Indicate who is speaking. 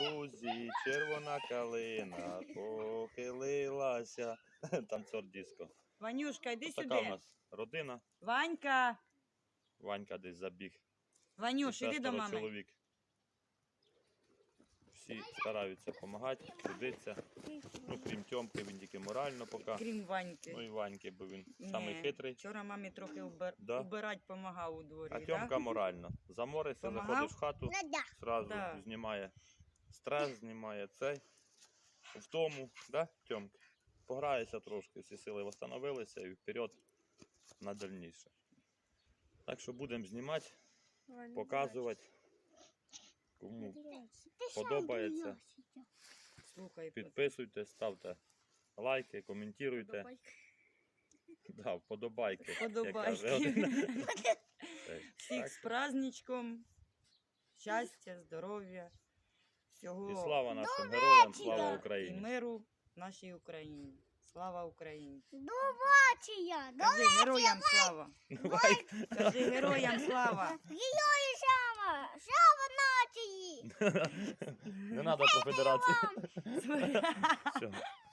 Speaker 1: лузі червона калина похилилася. Танцор диско.
Speaker 2: Ванюшка, йди
Speaker 1: Така у
Speaker 2: сюди.
Speaker 1: нас родина.
Speaker 2: Ванька.
Speaker 1: Ванька десь забіг.
Speaker 2: Ванюш, іди до мами.
Speaker 1: Чоловік. Всі стараються допомагати, трудиться. Ну, крім Тьомки, він тільки морально поки.
Speaker 2: Крім Ваньки.
Speaker 1: Ну і Ваньки, бо він самий хитрий.
Speaker 2: Вчора мамі трохи
Speaker 1: Да.
Speaker 2: убирати допомагав у дворі.
Speaker 1: А Тьомка морально. Замориться,
Speaker 2: Помагав?
Speaker 1: заходиш в хату, зразу
Speaker 2: Да.
Speaker 1: знімає стрес, знімає цей. Втому, да, Тьомки? Пограється трошки, всі сили встановилися і вперед на дальніше. Так що будемо знімати, показувати. Кому подобається,
Speaker 2: Слухай,
Speaker 1: підписуйтесь, ставте лайки, коментуйте. Да, вподобайки. як каже один.
Speaker 2: Подобайки. Всіх
Speaker 1: Так.
Speaker 2: з праздничком. Щастя, здоров'я. Всього
Speaker 1: І слава нашим героям, слава
Speaker 2: і
Speaker 1: Україні.
Speaker 2: миру нашій Україні. Слава Україні.
Speaker 3: Бачия,
Speaker 2: Кажи героям слава.
Speaker 1: Давай.
Speaker 2: Кажи героям слава.
Speaker 3: Герої Шава, Шава нації.
Speaker 1: Не треба по федерації. Все.